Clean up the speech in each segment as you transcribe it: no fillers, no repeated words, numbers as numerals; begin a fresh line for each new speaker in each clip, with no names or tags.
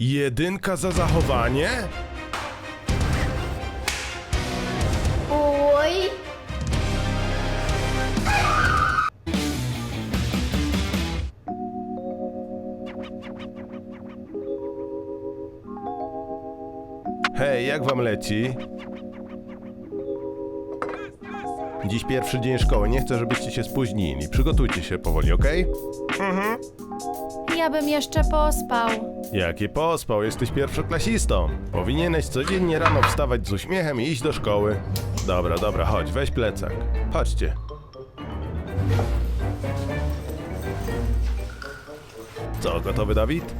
1 za zachowanie?
Oj!
Hej, jak wam leci? Dziś pierwszy dzień szkoły, nie chcę, żebyście się spóźnili. Przygotujcie się powoli, okej?
Ja bym jeszcze pospał.
Jaki pospał, jesteś pierwszoklasistą. Powinieneś codziennie rano wstawać z uśmiechem i iść do szkoły. Dobra, dobra, chodź, weź plecak. Chodźcie. Co, gotowy, Dawid?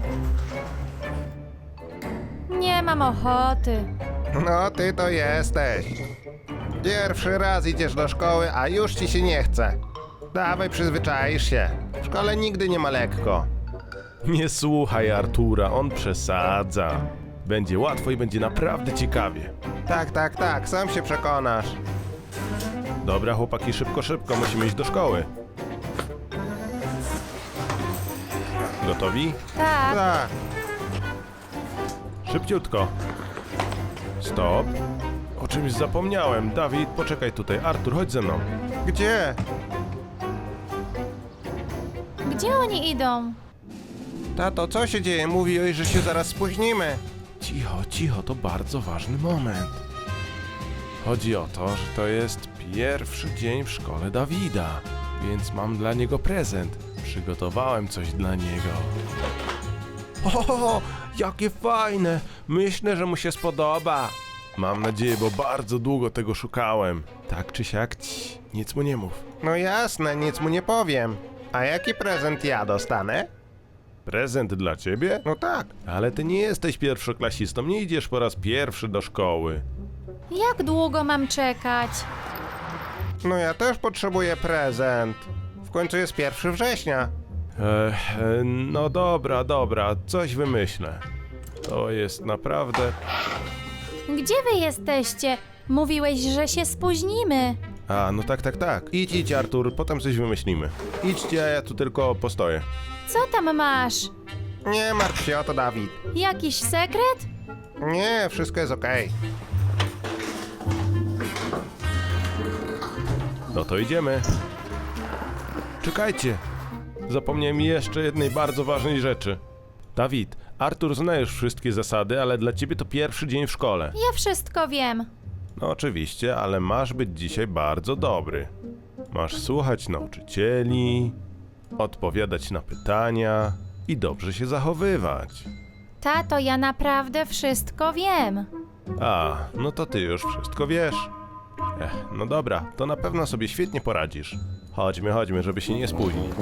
Nie mam ochoty.
No, ty to jesteś. Pierwszy raz idziesz do szkoły, a już ci się nie chce. Dawaj, przyzwyczaisz się. W szkole nigdy nie ma lekko.
Nie słuchaj Artura, on przesadza. Będzie łatwo i będzie naprawdę ciekawie.
Tak, sam się przekonasz.
Dobra, chłopaki, szybko, szybko, musimy iść do szkoły. Gotowi?
Tak.
Tak.
Szybciutko. Stop. O czymś zapomniałem. Dawid, poczekaj tutaj. Artur, chodź ze mną.
Gdzie?
Gdzie oni idą?
Tato, co się dzieje? Mówiłeś, że się zaraz spóźnimy.
Cicho, cicho, to bardzo ważny moment. Chodzi o to, że to jest pierwszy dzień w szkole Dawida, więc mam dla niego prezent. Przygotowałem coś dla niego. O, jakie fajne! Myślę, że mu się spodoba. Mam nadzieję, bo bardzo długo tego szukałem. Tak czy siak, nic mu nie mów.
No jasne, nic mu nie powiem. A jaki prezent ja dostanę?
Prezent dla ciebie?
No tak.
Ale ty nie jesteś pierwszoklasistą, nie idziesz po raz pierwszy do szkoły.
Jak długo mam czekać?
No ja też potrzebuję prezent. W końcu jest 1 września.
No dobra, dobra, coś wymyślę. To jest naprawdę...
Gdzie wy jesteście? Mówiłeś, że się spóźnimy.
A, no tak, tak, tak. Idź, Artur, potem coś wymyślimy. Idźcie, a ja tu tylko postoję.
Co tam masz?
Nie martw się o to, Dawid.
Jakiś sekret?
Nie, wszystko jest okej.
No to idziemy. Czekajcie. Zapomniałem jeszcze jednej bardzo ważnej rzeczy. Dawid, Artur zna już wszystkie zasady, ale dla ciebie to pierwszy dzień w szkole.
Ja wszystko wiem.
No oczywiście, ale masz być dzisiaj bardzo dobry. Masz słuchać nauczycieli, odpowiadać na pytania i dobrze się zachowywać.
Tato, ja naprawdę wszystko wiem.
A, no to ty już wszystko wiesz. No dobra, to na pewno sobie świetnie poradzisz. Chodźmy, chodźmy, żeby się nie spóźnić.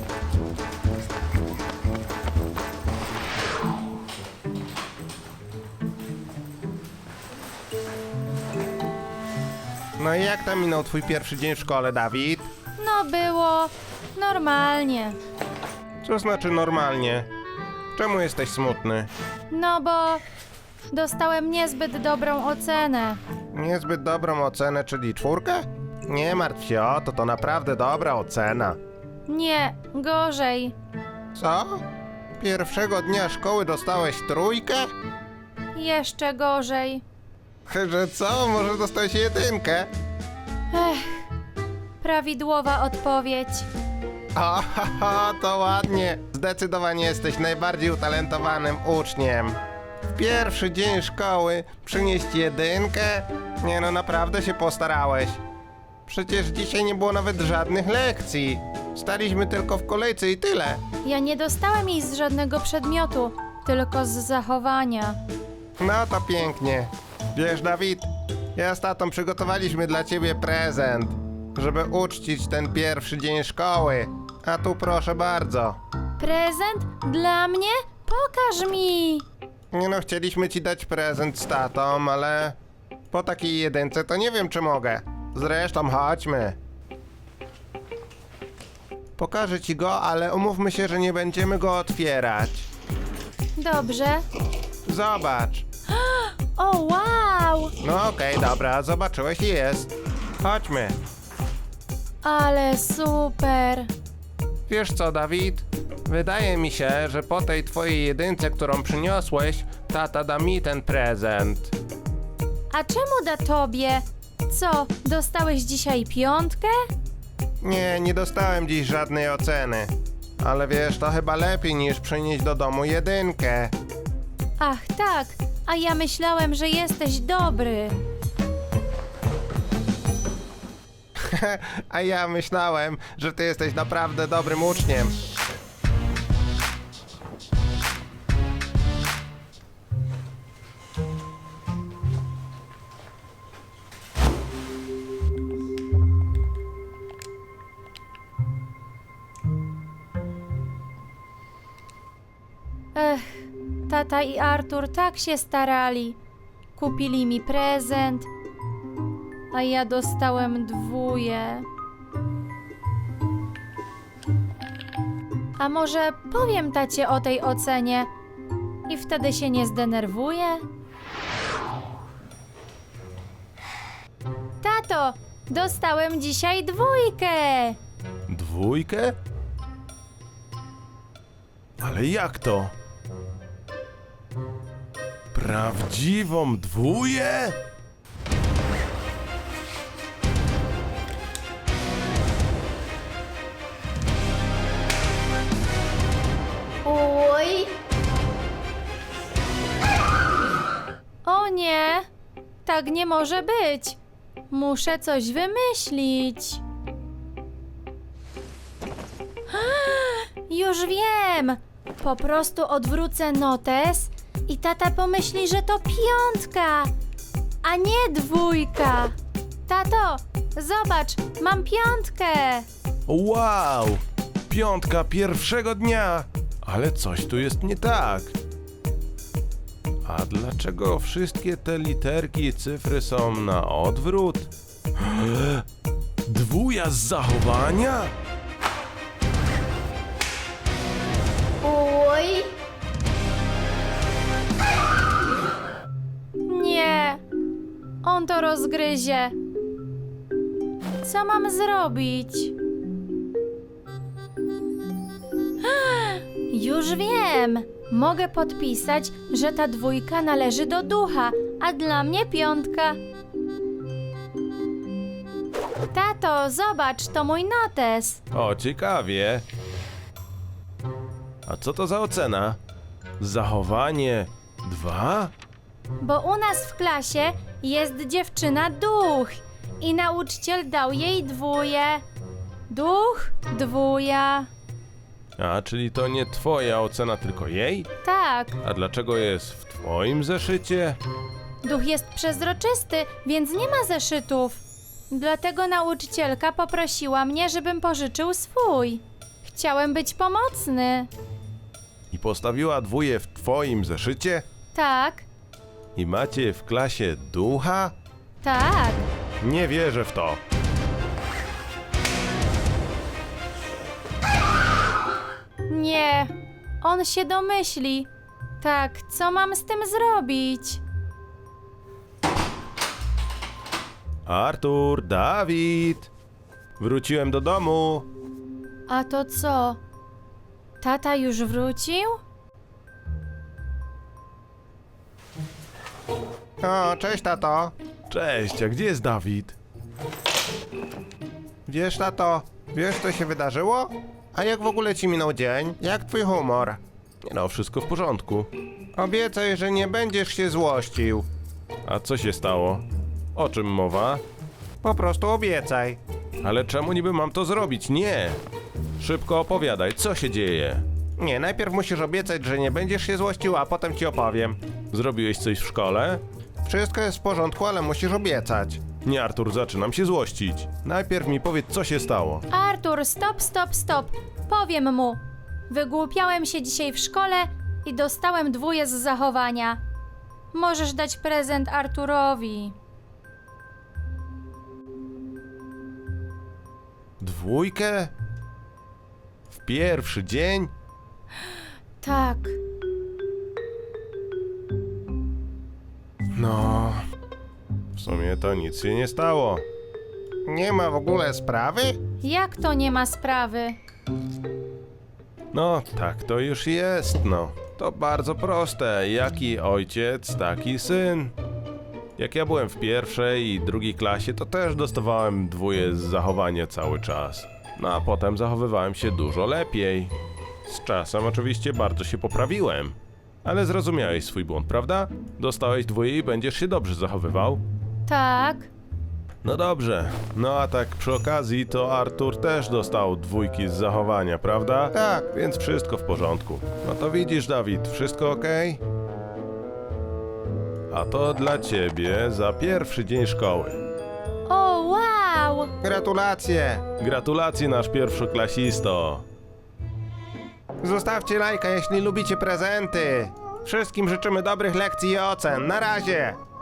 No i jak tam minął twój pierwszy dzień w szkole, Dawid?
No było normalnie.
Co znaczy normalnie? Czemu jesteś smutny?
No bo dostałem niezbyt dobrą ocenę.
Niezbyt dobrą ocenę, czyli 4? Nie martw się o to, to naprawdę dobra ocena.
Nie, gorzej.
Co? Pierwszego dnia szkoły dostałeś 3?
Jeszcze gorzej.
Że co? Może dostałeś 1?
Prawidłowa odpowiedź.
O, to ładnie. Zdecydowanie jesteś najbardziej utalentowanym uczniem. W pierwszy dzień szkoły przynieść 1? Nie no, naprawdę się postarałeś. Przecież dzisiaj nie było nawet żadnych lekcji. Staliśmy tylko w kolejce i tyle.
Ja nie dostałem jej z żadnego przedmiotu, tylko z zachowania.
No to pięknie. Wiesz, Dawid, ja z tatą przygotowaliśmy dla ciebie prezent, żeby uczcić ten pierwszy dzień szkoły. A tu proszę bardzo.
Prezent? Dla mnie? Pokaż mi!
Nie no, chcieliśmy ci dać prezent z tatą, ale po takiej 1 to nie wiem, czy mogę. Zresztą chodźmy. Pokażę ci go, ale umówmy się, że nie będziemy go otwierać.
Dobrze.
Zobacz.
O, wow!
No okej, dobra, zobaczyłeś i jest. Chodźmy.
Ale super!
Wiesz co, Dawid? Wydaje mi się, że po tej twojej jedynce, którą przyniosłeś, tata da mi ten prezent.
A czemu da tobie? Co, dostałeś dzisiaj 5?
Nie dostałem dziś żadnej oceny. Ale wiesz, to chyba lepiej niż przynieść do domu jedynkę.
Ach tak, a ja myślałem, że jesteś dobry.
A ja myślałem, że ty jesteś naprawdę dobrym uczniem.
Ech, tata i Artur tak się starali. Kupili mi prezent, a ja dostałem 2. A może powiem tacie o tej ocenie i wtedy się nie zdenerwuje? Tato, dostałem dzisiaj 2.
2? Ale jak to? Prawdziwą 2?
Oj! O nie! Tak nie może być! Muszę coś wymyślić. Już wiem! Po prostu odwrócę notes i tata pomyśli, że to 5, a nie 2. Tato, zobacz, mam 5.
Wow! 5 pierwszego dnia! Ale coś tu jest nie tak. A dlaczego wszystkie te literki i cyfry są na odwrót? 2 z zachowania?
Oj! Nie! On to rozgryzie. Co mam zrobić? Już wiem! Mogę podpisać, że ta 2 należy do ducha, a dla mnie 5. Tato, zobacz, to mój notes.
O, ciekawie. A co to za ocena? Zachowanie 2?
Bo u nas w klasie jest dziewczyna duch i nauczyciel dał jej 2. Duch, 2.
A, czyli to nie twoja ocena, tylko jej?
Tak,
A dlaczego jest w twoim zeszycie?
duch jest przezroczysty, więc nie ma zeszytów. Dlatego nauczycielka poprosiła mnie, żebym pożyczył swój. Chciałem być pomocny.
I postawiła 2 w twoim zeszycie?
Tak,
I macie w klasie ducha?
tak.
Nie wierzę w to.
Nie, on się domyśli. Tak, co mam z tym zrobić?
Artur, Dawid! Wróciłem do domu.
A to co? Tata już wrócił?
O, cześć tato.
Cześć, a gdzie jest Dawid?
Wiesz tato, wiesz co się wydarzyło? A jak w ogóle ci minął dzień? Jak twój humor?
Nie no, wszystko w porządku.
Obiecaj, że nie będziesz się złościł.
A co się stało? O czym mowa?
Po prostu obiecaj.
Ale czemu niby mam to zrobić? Nie! Szybko opowiadaj, co się dzieje?
Nie, najpierw musisz obiecać, że nie będziesz się złościł, a potem ci opowiem.
Zrobiłeś coś w szkole?
Wszystko jest w porządku, ale musisz obiecać.
Nie, Artur, zaczynam się złościć. Najpierw mi powiedz, co się stało.
Artur, stop. Powiem mu. Wygłupiałem się dzisiaj w szkole i dostałem 2 z zachowania. Możesz dać prezent Arturowi.
2? W pierwszy dzień?
Tak.
No... W sumie to nic się nie stało.
Nie ma w ogóle sprawy?
Jak to nie ma sprawy?
No, tak to już jest, no. To bardzo proste. Jaki ojciec, taki syn. Jak ja byłem w pierwszej i drugiej klasie, to też dostawałem dwóje z zachowania cały czas. No a potem zachowywałem się dużo lepiej. Z czasem oczywiście bardzo się poprawiłem. Ale zrozumiałeś swój błąd, prawda? Dostałeś dwóje i będziesz się dobrze zachowywał.
Tak.
No dobrze. No a tak przy okazji to Artur też dostał dwójki z zachowania, prawda?
Tak.
Więc wszystko w porządku. No to widzisz, Dawid, wszystko okej? A to dla ciebie za pierwszy dzień szkoły.
O, wow!
Gratulacje!
Gratulacje, nasz pierwszoklasisto.
Zostawcie lajka, jeśli lubicie prezenty. Wszystkim życzymy dobrych lekcji i ocen. Na razie!